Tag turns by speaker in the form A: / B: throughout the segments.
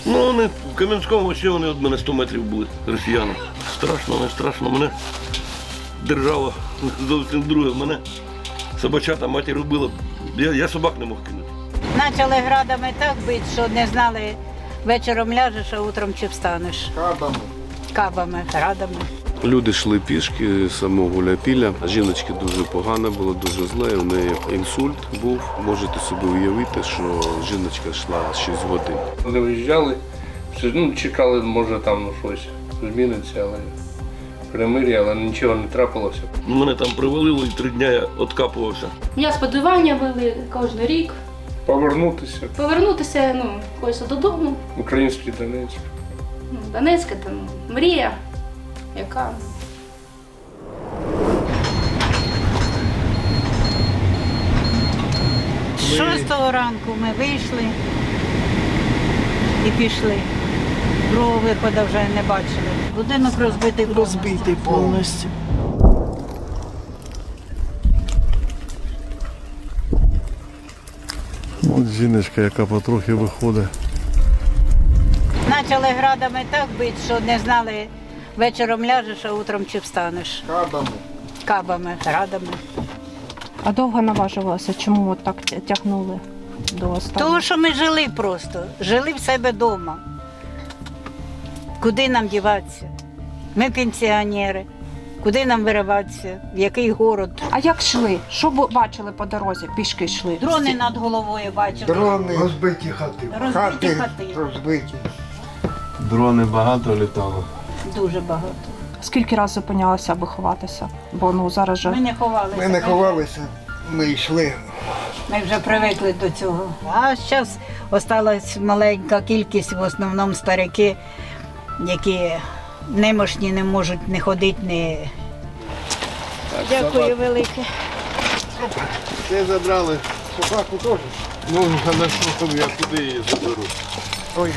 A: Ну, вони в Кам'янському ще вони від мене 100 метрів були, росіяни. Страшно, не страшно. Мене держава зовсім друге. Мене собачата матір убила. Я собак не мог кинути.
B: Почали градами так бити, що не знали, вечором ляжеш, а утром чи встанеш.
C: Кабами.
B: Кабами, градами.
D: Люди йшли пішки з самого Гуляйпілля. Жіночки дуже погано було, дуже зле. У неї інсульт був. Можете собі уявити, що жіночка йшла 6 годин.
E: Коли виїжджали, чекали, може там щось зміниться, але перемир'я, але нічого не трапилося.
A: Мене там привалило і 3 дні я відкапувався.
F: Я сподівання вели кожен рік.
E: Повернутися,
F: Хочеться додому.
E: Український Донецьк.
F: Донецька там мрія, яка.
B: 6 ранку ми вийшли і пішли. Другого виходу вже не бачили. Будинок розбитий повністю.
C: Розбитий повністю.
G: От жіночка, яка потрохи виходить.
B: Почали градами так бити, що не знали, вечором ляжеш, а утром чи встанеш.
C: Кабами.
B: Кабами, градами.
H: А довго наважувалося? Чому от так тягнули до останнього?
B: Тому що ми жили просто, жили в себе вдома. Куди нам діватися? Ми пенсіонери. Куди нам вириватися? В який город?
H: А як йшли? Що бачили по дорозі? Пішки йшли?
B: Дрони над головою бачили.
C: Дрони. Розбиті хати.
B: Розбиті хати.
C: Розбиті.
D: Дрони багато літало.
B: Дуже багато.
H: Скільки разів зупинялися, аби ховатися? Бо зараз же...
B: Ми не ховалися.
C: Ми не ховалися, ми йшли.
B: Ми вже привикли до цього. А зараз осталась маленька кількість, в основному старики, які немощні, не можуть не ходити, не... Дякую велике.
G: Це забрали.
C: Собаку теж.
G: Ну, на що я куди її заберу?
C: Ой,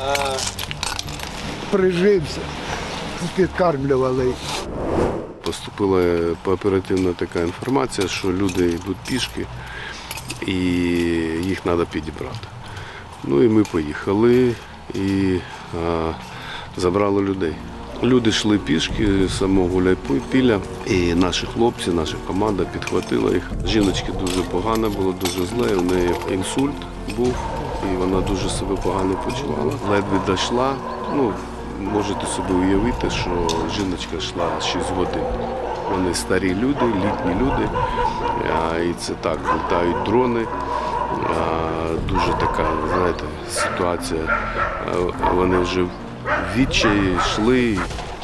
C: прижився. Підкармлювали.
D: Поступила оперативна така інформація, що люди йдуть пішки і їх треба підібрати. Ну і ми поїхали і забрали людей. Люди йшли пішки з самого Гуляйпілля, і наші хлопці, наша команда підхватила їх. Жіночки дуже погано було, дуже зле, у неї інсульт був, і вона дуже себе погано почувала. Ледве дійшла. Можете собі уявити, що жіночка йшла 6 годин. Вони старі люди, літні люди, і це так, літають дрони. Дуже така, знаєте, ситуація. Вони вже в відчаї йшли.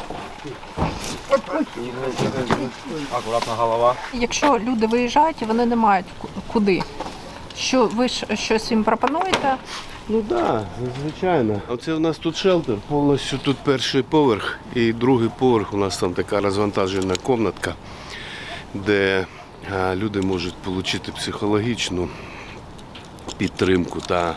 E: Акуратна голова.
H: Якщо люди виїжджають, і вони не мають куди, що ви щось їм пропонуєте?
D: Ну так, звичайно. Оце у нас тут шелтер. Повністю тут перший поверх і другий поверх. У нас там така розвантажена кімнатка, де люди можуть отримати психологічну підтримку та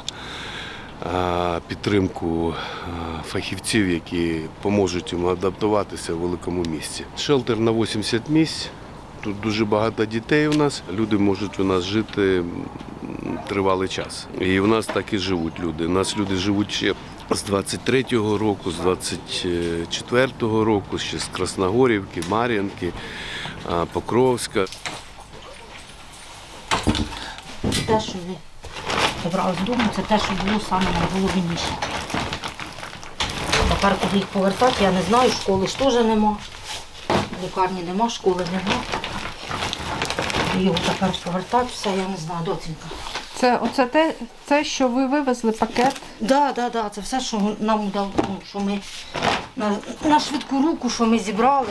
D: підтримку фахівців, які поможуть їм адаптуватися в великому місті. Шелтер на 80 місць. Тут дуже багато дітей у нас. Люди можуть у нас жити тривалий час. І у нас так і живуть люди. У нас люди живуть ще з 23-го року, з 24-го року, ще з Красногорівки, Мар'їнки, Покровська.
I: Те, що ви забрали з дому, це те, що було саме найголовніше. Тепер, куди їх повертати, я не знаю, школи ж теж нема. Лікарні нема, школи нема. Його тепер повертати, все, я не знаю, доцінька.
H: Оце те, що ви вивезли пакет?
I: Так, це все, що нам удалося, що ми на швидку руку, що ми зібрали.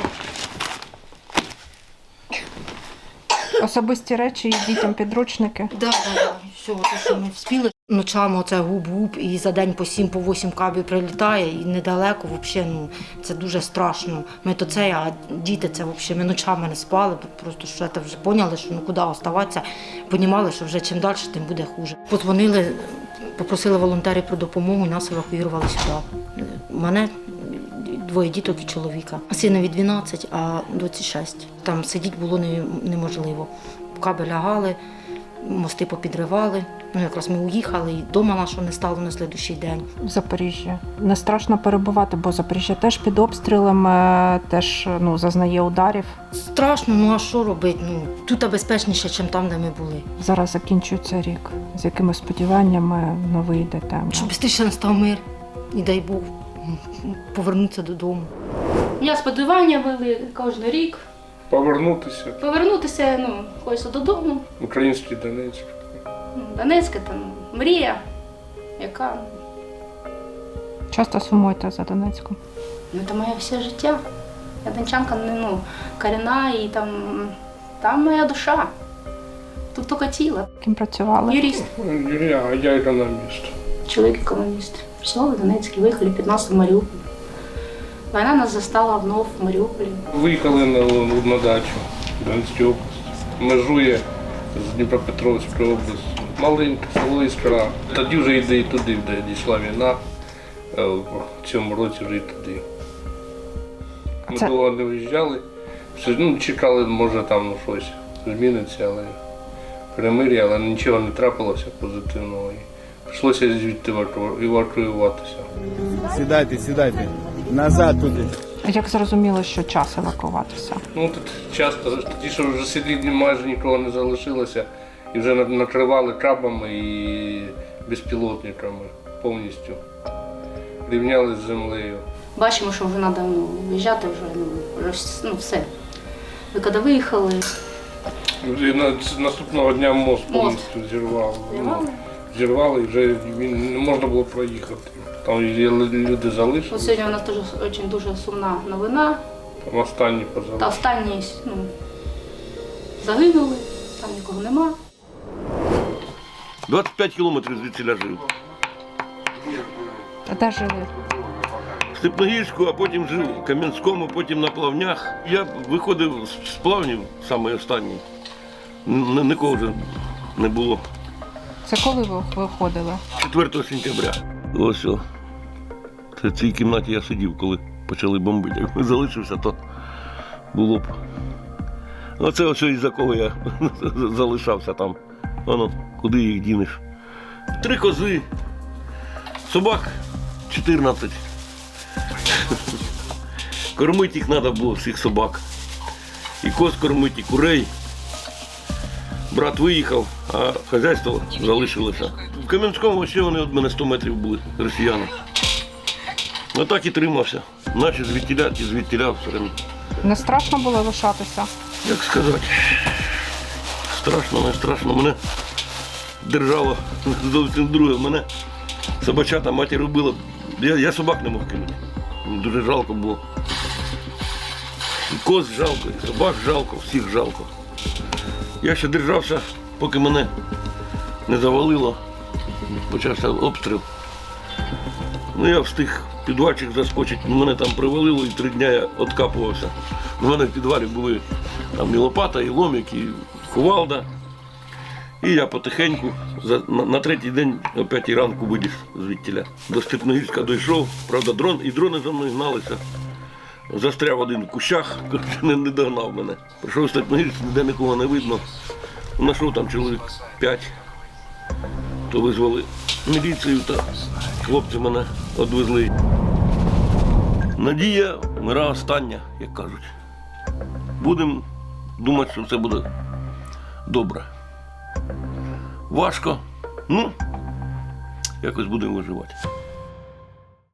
H: Особисті речі і дітям підручники?
I: Так. Все, те, що ми встигли. Ночами оце губ-губ, і за день по 7-8 кабів прилітає, і недалеко, взагалі, це дуже страшно. Ми то це, а діти це взагалі, ми ночами не спали, просто що це вже поняли, що куди оставатися, розуміли, що вже чим далі, тим буде хуже. Подзвонили, попросили волонтерів про допомогу, і нас евакуювали сюди. Мене 2 діток і чоловіка. Синові 12, а доці 6. Там сидіти було неможливо. Каби лягали, мости попідривали. Ну, якраз ми уїхали, і вдома нашого не стало на слідущий день.
H: В Запоріжжі. Не страшно перебувати, бо Запоріжжя теж під обстрілами, теж зазнає ударів.
I: Страшно, ну а що робити? Ну, тут безпечніше, ніж там, де ми були.
H: Зараз закінчується рік. З якими сподіваннями новий йде тема?
I: Щоб швидше настав мир, і дай Бог, повернутися додому.
F: У мене сподівання були кожен рік.
E: Повернутися.
F: Хочеться додому.
E: Український Донецьк.
F: Донецька там мрія, яка
H: Часто сумуєте за Донецьком?
F: це моє все життя. Я дончанка корінна і там моя душа. Тут тільки тіло.
H: Ким працювали?
F: Юрист,
E: Я економіст.
F: чоловік економіст. Працювали в Донецьку, виїхали 15 в Маріуполь. Війна нас застала вновь в Маріуполі.
E: Виїхали на дачу в Донецькій області. Межує з Дніпропетровською областю. Маленьке село Іскра. Тоді вже йде і туди, де дійшла війна. В цьому році вже і туди. Ми
H: Це-
E: довго не виїжджали. Чекали, може там щось зміниться, але перемир'я, але нічого не трапилося позитивного. І прийшлося звідти евакуюватися.
G: Сідайте. Назад туди.
H: Як зрозуміло, що час евакуватися?
E: Тут часто, тоді, що вже селі майже нікого не залишилося, і вже накривали кабами і безпілотниками повністю. Рівняли з землею.
F: Бачимо, що вже треба виїжджати, вже все. Ви коли виїхали,
E: І наступного дня мост повністю зірвали. Зірвали і вже він не можна було проїхати. Там люди залишилися,
F: от сьогодні у нас теж дуже сумна новина.
E: там останні
F: Та
E: позалишили.
F: останні загинули, там нікого нема.
A: 25 кілометрів звідсіля жив.
H: А де жили?
A: В Степногірську, а потім жив в Кам'янському, потім на Плавнях. Я виходив з Плавнів, саме останній. Нікого вже не було.
H: Це коли ви виходили?
A: 4 сентября. Ось о. Це в цій кімнаті я сидів, коли почали бомбити. Якби залишився, то було б. Оце ось із-за кого я залишався там. Воно, куди їх дінеш. 3 кози, собак 14. Кормити їх треба було, всіх собак. І коз кормити, і курей. Брат виїхав, а хазяйство залишилося. В Кам'янському ще вони від мене 100 метрів були, росіяни. Отак і тримався. Наші звідтіля і звідтіля все время.
H: Не страшно було лишатися?
A: Як сказати, страшно, не страшно. Мене держало зовсім друге. Мене собачата матір робила. Я собак не мог кинути. Мені дуже жалко було. І коз жалко, і собак жалко, всіх жалко. Я ще держався, поки мене не завалило. Почався обстріл. Я встиг в підвальчик заскочити, мене там привалило і 3 дні я відкапувався. У мене в підвалі були там і лопата, і ломик, і кувалда. І я потихеньку на 3-й день о 5-й ранку виліз звідтіля. До Степногірська дійшов, правда, дрони за мною гналися. Застряв один в кущах, не догнав мене. Прийшов в Степногірськ, ніде нікого не видно. Знайшов там чоловік 5. То визвали міліцію, та хлопці мене відвезли. Надія мира остання, як кажуть. Будемо думати, що все буде добре. Важко, якось будемо виживати.